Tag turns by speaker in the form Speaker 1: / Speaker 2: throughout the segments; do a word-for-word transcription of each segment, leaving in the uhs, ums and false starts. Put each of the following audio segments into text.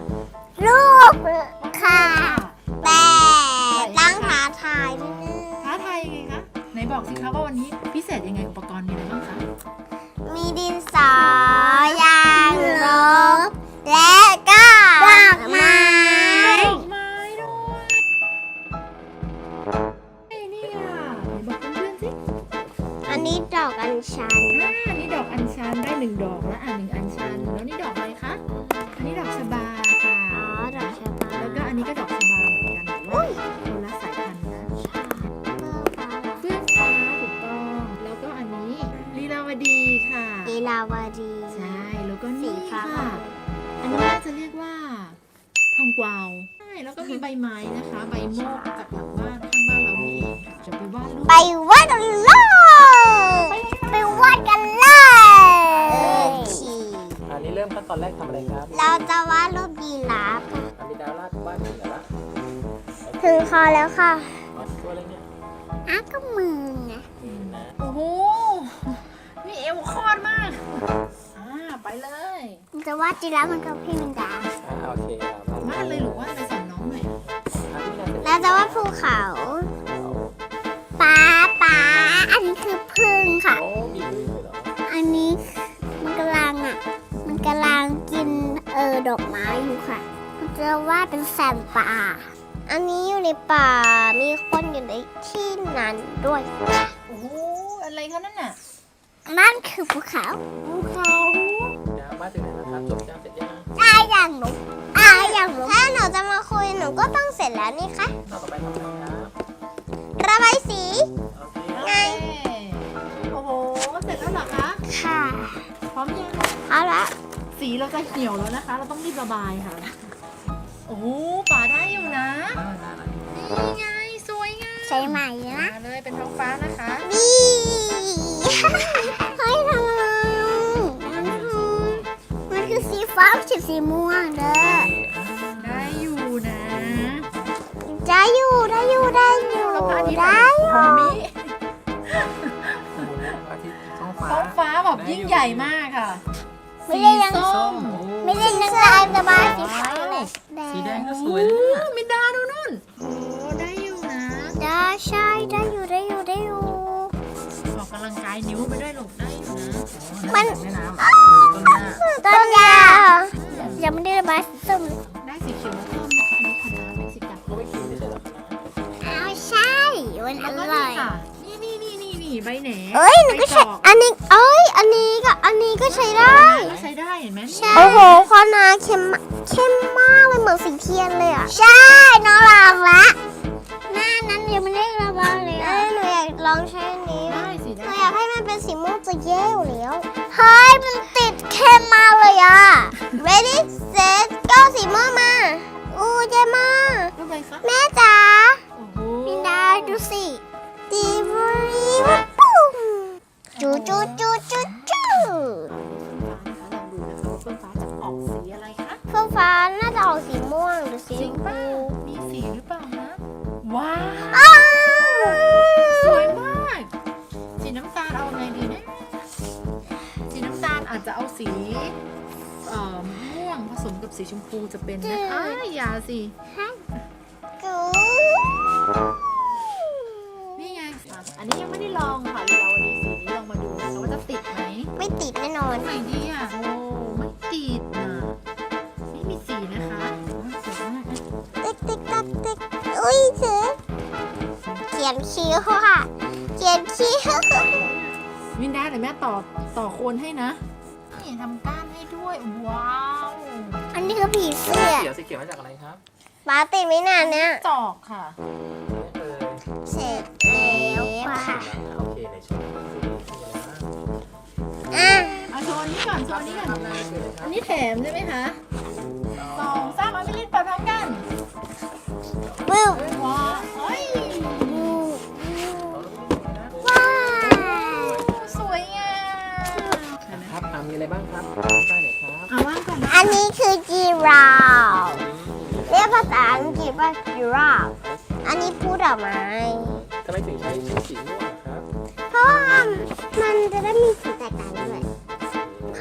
Speaker 1: รูปค่ะ แต่ตั้งท้าทายนิดนึง
Speaker 2: ท้าทายยังไงคะไหนบอกสิคะว่าวันนี้พิเศษยังไงอุปกรณ์มีอะไรบ้างคะ
Speaker 1: มีดินสอยางลบและก็ดอกไม้
Speaker 2: ดอกไม้ด้วยเอ้ยนี่อ่ะไหนบอกเพื่อนๆสิ
Speaker 1: อันนี้ดอกอัญชัน
Speaker 2: อ่าอันนี้ดอกอัญชันได้หนึ่งดอกแล้วอ่ะหนึ่งอัญชันแล้วนี่ดอกอะไรคะอันนี้ดอกชบาค่ะ
Speaker 1: อ๋อ ดอกชะบา
Speaker 2: แล้วก็อันนี้ก็ดอกชบาเหมือนกันแต่ว่าคนละสายพันธุ์นะเฟื่องฟ้าถูกต้องแล้วก็อันนี้ลีลาวดีค่ะ
Speaker 1: ลีลาวดี
Speaker 2: ใช่แล้วก็
Speaker 1: สี
Speaker 2: นี่
Speaker 1: ฟ้า
Speaker 2: ค่ะ อันนี้น่าจะเรียกว่าทองกวาวใช่แล้วก็มีใบไม้นะคะ ใบโมกจากหลังบ้านข้างบ้านเรานี่เองค่ะจะไปวาดรูป
Speaker 1: ไปวาดกันเลยไปวาดกันเลยขี่
Speaker 3: อันนี้เริ่มขั้นตอนแรกทำอะไรครับ
Speaker 1: เราจะวาดรูปยีราฟค่ะ
Speaker 3: อันนี้ดาวลาดบ้านถึงแล้วละ
Speaker 1: ถึงคอแล้วค่ะ
Speaker 3: เอาตัวอะไรเนี่ย
Speaker 1: อ้าก็มือไง
Speaker 3: นี่นะ
Speaker 2: โอ้โหนี่เอวคอดมากอ่าไปเลย
Speaker 1: มันจะวาดยีราฟมันกับพี่มินดา
Speaker 3: อ่าโอเคครับ
Speaker 2: วาดเลยหรือว่าไปสอนน้องหน่อย
Speaker 3: อันนี้น่าจะ
Speaker 1: เราจะวาดภูเขาป๊าป๊าอันนี้คือพึ่งค่ะ
Speaker 3: โอ้มีพึ่งเลยเหรอ
Speaker 1: อันนี้มันกำลังอ่ะ มันกำลังกินเออดอกไม้อยู่ค่ะ มันจะวาดเป็นแสงป่า อันนี้อยู่ในป่า มีคนอยู่ในที่นั้นด้วย
Speaker 2: โอ้โหอะไรคะนั่นน่ะ
Speaker 1: นั่นคือภูเขา
Speaker 2: ภูเขา
Speaker 3: ดาวบ้านถึงไหนแล้วครับจบยังเสร็จยัง
Speaker 1: ได้อย่างหนูได้อย่างหนูถ้าหนูจะมาคุยหนูก็ต้องเสร็จแล้วนี่คะ
Speaker 3: ต่อไปทำอะไรครับ
Speaker 1: ระบายสี
Speaker 3: โอเค
Speaker 1: ไง
Speaker 2: โอ้โหเสร็จแล้วเหรอคะ
Speaker 1: ค่ะ
Speaker 2: พร้อมยัง
Speaker 1: เอาละ
Speaker 2: สีเราจะเหี่ยวแล้วนะคะ เราต้องรีบระบายค่ะโอ้โหป่าได้อยู่นะ
Speaker 3: อ่าได้ละ
Speaker 2: นี่ไงสวยงาม
Speaker 1: ใช้ใหม่นะ
Speaker 2: มาเลยเป็นท้องฟ้านะคะ
Speaker 1: บีเฮ้ยทำอะไรมันคือมันคือสีฟ้าไม่ใช่สีม่วงเด้อ
Speaker 2: ได้อยู่นะ
Speaker 1: ได้อยู่ได้อยู่ได้อยู่
Speaker 2: แล้วพระอาทิตย์
Speaker 1: ได้อ
Speaker 2: ขอยู่ งมิ
Speaker 3: โอ้โหอาทิตย์ท้องฟ้า
Speaker 2: ท้องฟ้าแบบยิ่งใหญ่มากค่ะ
Speaker 1: ไม่ได้ยัง
Speaker 2: สีส้ม
Speaker 3: โอ้
Speaker 1: ไม่ได้นึกได้ระบายสีฟ้าเลย
Speaker 3: สีแดงก็สวยนะเนี่ย
Speaker 2: มินดาดูนู่นโอ้ได้อยู่นะ
Speaker 1: ได้ใช่ได้อยู่ได้อยู่ได้อยู่
Speaker 2: ออกกำลังกายนิ้วไปด้วยลูกได้อยู่นะ
Speaker 1: มัน
Speaker 3: แม่น้ำต้นหญ้า
Speaker 1: ต้นยายังไม่ได้ระบายสีส้มเลย
Speaker 2: ได้สีเขียวมาเพิ่มนะคะอันนี้พันธุ์เม็กซิกัน
Speaker 3: เขาไม่กินไม่ใช่เหรอครับ
Speaker 1: อ้าวใช่มันอ
Speaker 2: แล้วก็
Speaker 1: ร่
Speaker 2: นี่
Speaker 1: อย
Speaker 2: ค่ะนี่นี่นี่นี่นี่ใบแหน
Speaker 1: เอ้ยหนูก็ใช้
Speaker 2: ใบตอก
Speaker 1: อันนี้เอ้ยอันนี้ก็อันนี้ก็ใช้ได้
Speaker 2: ก็ใช้ได้เห็นไหม
Speaker 1: โอ้โหคอนาเข้มมากเข้มมากเลยเหมือนสีเทียนเลยอ่ะ ใช่ น้องลองละหน้านั้นยังไม่ได้ระบายเลยอ่ะหนูอยากลองใช้อันนี้
Speaker 2: ได้สิ
Speaker 1: ห
Speaker 2: ได้
Speaker 1: นูอยากให้มันเป็นสีม่วงจะแย่อยู่แล้วเฮ้ยมันติดเข้มมากเลยอ่ะ ready set go สีม่วงมาอู้เย่มาก
Speaker 2: รูปอะไรคะ
Speaker 1: แม่จ๋า
Speaker 2: โอ้โห
Speaker 1: มินดาดูสิดีบรีวับปุ้มจูจูจูจูจู
Speaker 2: เฟื่องฟ้านะคะลองดูนะคะว่าเฟื่องฟ้าจะออกสีอะไรคะ
Speaker 1: เฟื่องฟ้าน่าจะออกสีม่วงหรือสี
Speaker 2: จ
Speaker 1: ช
Speaker 2: ริง
Speaker 1: ม
Speaker 2: เปล่า
Speaker 1: พู
Speaker 2: มีสีหรือเปล่านะว้าว
Speaker 1: อ้าว
Speaker 2: สวยมาก สีน้ำตาลเอาไงดีนะสีน้ำตาลอาจจะเอาสีเอ่อม่วงผสมกับสีชมพูจะเป็นนะอ้ายอย่าสิ
Speaker 1: จู
Speaker 2: นี่ไงอ่ะอันนี้ยังไม่ได้ลองค่ะเราวันนี้สีนี้ลองมาดูนะคะว่าจะติดไหม
Speaker 1: ไม่ติดแน่นอน
Speaker 2: ไหนดีอ่ะโอ้ไม่ติดนะไม่มีสีนะคะโอ้ยสวยมากนะ
Speaker 1: ติ๊กติ๊กตักติ๊กอุ้ยเสือเขียนคิ้วค่ะเขียนคิ้ว
Speaker 2: วินได้เดี๋ยวแม่ต่อต่อโคนให้นะนี่ทำก้านให้ด้วยว้าว
Speaker 1: อันนี้คือผีเสื้อ
Speaker 3: เขียวสีเขียวมาจากอะไรครับ
Speaker 1: ป้าติดไม่นานเนี่ย
Speaker 2: จอกค่ะ
Speaker 3: เออ
Speaker 1: เสร็จแล้วค่ะ
Speaker 3: โอเคในช่วงนี้มีอะไรบ้าง
Speaker 1: อ่ะ
Speaker 2: เอาโชว์อันนี้ก่อนโชว์อันนี้ก่อน
Speaker 3: ทำหน้าคืออะไรครั
Speaker 2: อั
Speaker 3: บ
Speaker 2: นนี้แถมใช่ไหมคะสองสามเอาไปเล่นไปพร้อมกัน
Speaker 1: วู้
Speaker 2: ว้าวเฮ้ย
Speaker 1: วู้ว้าว
Speaker 2: สวยงาม
Speaker 3: ครับอ่ามีอะไรบ้างครับได้ไหนครับ
Speaker 2: เอาว่างก่อนนะ
Speaker 1: อันนี้คือจีราฟเรียกภาษาอังกฤษว่าจีราฟอันนี้พูดออกมา
Speaker 3: ทำไมถึงใช้ใช้สีม่วงอะครับ
Speaker 1: เพราะว่ามันจะได้มีสีแตกต่างด้วยเพ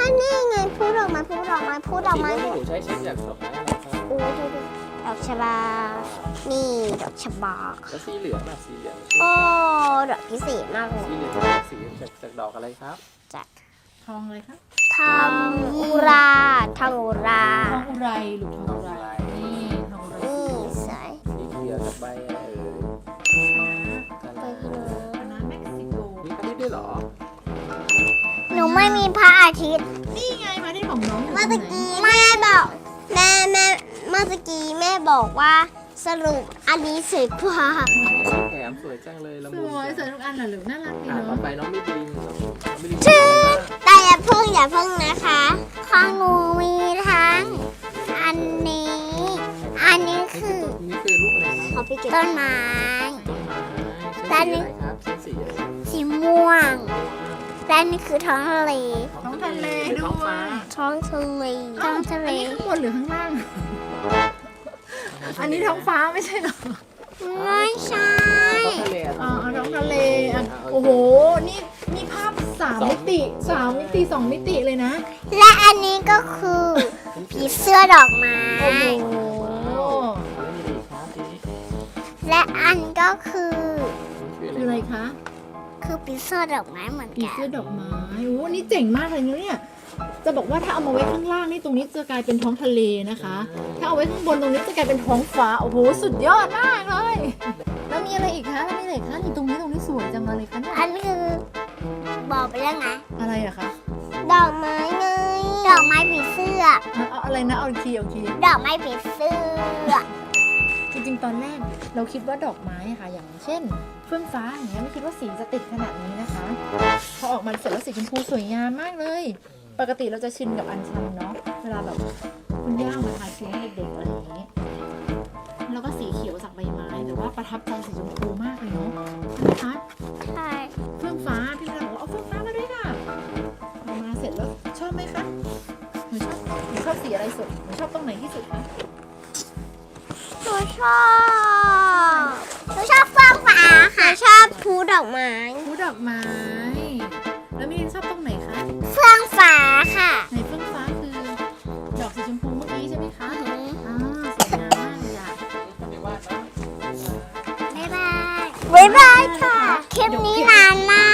Speaker 1: ถ้านี่ไงพูดออกมาพูดออกมาพูดออก
Speaker 3: สี
Speaker 1: มา
Speaker 3: ม่วงที่หนูใช้ใช้จากดอกไม้อะไรครับ
Speaker 1: โอ้ดูดูดอกชบา นี่ดอกชบา
Speaker 3: แล้วสีเหลืองอ่ะสีเหลือง
Speaker 1: โอ้ดอกพิเศษมากเลย
Speaker 3: สีเหลืองสีจากจากดอกอะไรครับ
Speaker 1: จาก
Speaker 2: ทองเลยคะ
Speaker 1: ทองอุราทองอุรา
Speaker 2: ทองอุไรหรือทองอุไรนี่ทองอุไร
Speaker 1: นี่สวย
Speaker 3: สีเขียวจากใบอะไรเอ่ยกัน
Speaker 1: ไป
Speaker 3: นะ
Speaker 1: เลย
Speaker 2: คณะเม็กซิโก
Speaker 3: มีพระอาทิตย์ด้วยเหรอ
Speaker 1: หนูไม่มีพระอาทิตย์
Speaker 2: นี่ไงมาที่ของน้องอยู่
Speaker 1: เมื่อ
Speaker 2: ตร
Speaker 1: ตะ
Speaker 2: งไหน
Speaker 1: กี้แม่บอกแม่แม่เมื่อตะกี้แม่บอกว่าสรุปอันนี้สวยกว่า
Speaker 3: แถมสวยจังเลยละ
Speaker 2: ส
Speaker 3: มุน
Speaker 2: วยสวยทุกอันเหรอหรือน่ารักดี
Speaker 3: อ่ะต่อ
Speaker 2: เนาะ
Speaker 3: ไปน้องมิลินน้องมิลิน
Speaker 1: ชื่อแต่อย่าเพิ่งอย่าเพิ่งนะคะของหนูมีทั้งอันนี้ อันนี้
Speaker 3: นี่
Speaker 1: คื
Speaker 3: คือ
Speaker 1: อ
Speaker 3: ต้นนี่คือรูปอะไรครับ
Speaker 1: เขาไปเก็บต้นไม้
Speaker 3: ต้นไม้
Speaker 1: ด้าน
Speaker 3: ใช้
Speaker 1: นี้
Speaker 3: สีอะไรครับใช้สีอะไร
Speaker 1: สีม่วงและนี่คือท้องทะเล
Speaker 2: ท้องทะเล
Speaker 3: หรือ
Speaker 2: ด้
Speaker 3: ท้อง
Speaker 2: ว
Speaker 3: ฟ้าย
Speaker 1: ท้องทะเลท้องทะเล
Speaker 2: อันนี้ข้างบนหรือข้างล่าง อันนี้ท้องฟ้าไม่ใช่เหรอ
Speaker 1: ไม่ใช่
Speaker 3: ท้องทะเล
Speaker 2: อ๋อท้องทะเลอ่ะโอ้โห นี่นี่ภาพสามมิติสามมิติสองมิติเลยนะ
Speaker 1: และอันนี้ก็คือผีเสื้อดอกไม้
Speaker 2: โอ้โห
Speaker 3: แล้วมีอีกครับทีนี้
Speaker 1: และอันก็คือ
Speaker 3: ชื่อ
Speaker 2: คือ
Speaker 3: อะ
Speaker 2: อะไร ไรคะ
Speaker 1: คือผีเสื้อดอกไม้เหมือน
Speaker 2: ผี
Speaker 1: กัน
Speaker 2: เสื้อดอกไม้โอ้นี่เจ๋งมากเลยนะเนี่ย จะบอกว่าถ้าเอามาไว้ข้างล่างนี่ตรงนี้จะกลายเป็นท้องทะเลนะคะ ถ้าเอาไว้ข้างบนตรงนี้จะกลายเป็นท้องฟ้า โอ้โห สุดยอดมากเลย แล้วมีอะไรอีกคะแล้วมีอะไรอีกคะนี่ตรงนี้ตรงนี้สวยจังเลยคะเนี่ย
Speaker 1: อันนี้คือบอกไปแล้วไง
Speaker 2: อะไรอะคะ
Speaker 1: ดอกไม้ไงดอกไม้ผีเสื้อ
Speaker 2: เอาเอาอะไรนะ เอาอีกทีเอาอีกที
Speaker 1: ดอกไม้ผีเสื้อ
Speaker 2: จริงๆ ตอนแรกเราคิดว่าดอกไม้อะค่ะ อย่างเช่นเฟื่องฟ้าอย่างเงี้ยไม่คิดว่าสีจะติดขนาดนี้นะคะ พอออกมาเสร็จแล้วสีชมพูสวยงามมากเลย ปกติเราจะชินกับอัญชันเนาะ เวลาแบบคุณย่ามาทาเค้กให้เด็กๆอะไรอย่างนี้ แล้วก็สีเขียวจากใบไม้ แต่ว่าประทับใจสีชมพูมากเลยเนาะใช่ไหมคะ
Speaker 1: ใช่
Speaker 2: เฟื่องฟ้าพี่เราบอกว่าเอาเฟื่องฟ้ามาด้วยค่ะเอามาเสร็จแล้วชอบไหมคะหนูชอบหนูชอบสีอะไรสุดหนูชอบตรงไหนที่สุดคะ
Speaker 1: หนูชอบหนูชอบเฟื่องฟ้าค่ะชอบภูดอกไม้
Speaker 2: ผู้ดอกไม้ แล้วมีชอบตรงไหนคะ
Speaker 1: เฟื่องฟ้าค่ะ
Speaker 2: ในเฟื่องฟ้าคือดอกสีชมพูเมื่อกี้ใช่ไหมคะอ่าสวยงามมากเลยอะ
Speaker 3: ไม่ว่านะ
Speaker 1: บ๊ายบายบ๊ายบายค่ะ คลิปนี้นานมาก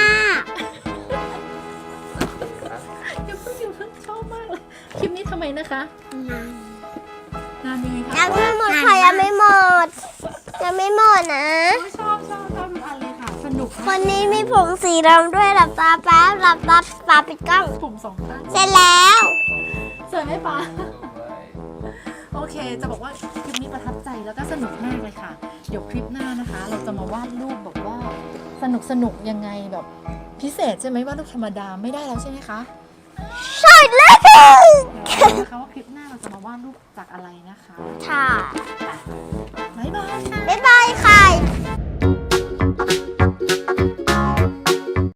Speaker 2: เดี๋ยวเพิ่งอยู่เพิ่งชอบมากเลย คลิปนี้ทำไมนะคะ
Speaker 1: นาน
Speaker 2: นานยังไงคะ
Speaker 1: ยังไม่หมดค่ะยังไม่หมดยังไม่หมดนะ
Speaker 2: โอ้ยชอบชอบชอบทุกอันเลยค่ะ สนุก
Speaker 1: คนนี้มีผมสีดำด้วยหลับตาแป๊บหลับตาปาปิดกล้อง
Speaker 2: ผมสองข้าง
Speaker 1: เสร็จแล้ว
Speaker 2: สวยไหมปะโอเค จะบอกว่าคลิปนี้ประทับใจแล้วก็สนุกมากเลยค่ะ เดี๋ยวคลิปหน้านะคะ เราจะมาวาดรูปแบบว่าสนุกสนุกยังไงแบบพิเศษใช่ไหมวาดรูปธรรมดาไม่ได้แล้วใช่ไหมคะ
Speaker 1: ใช่แล้ว
Speaker 2: เดี๋ยวดูนะคะว่าคลิปหน้าเราจะมาวาดรูปจากอะไรนะคะ
Speaker 1: ค่ะ
Speaker 2: บ๊ายบายค่ะ
Speaker 1: บ๊ายบายค่ะ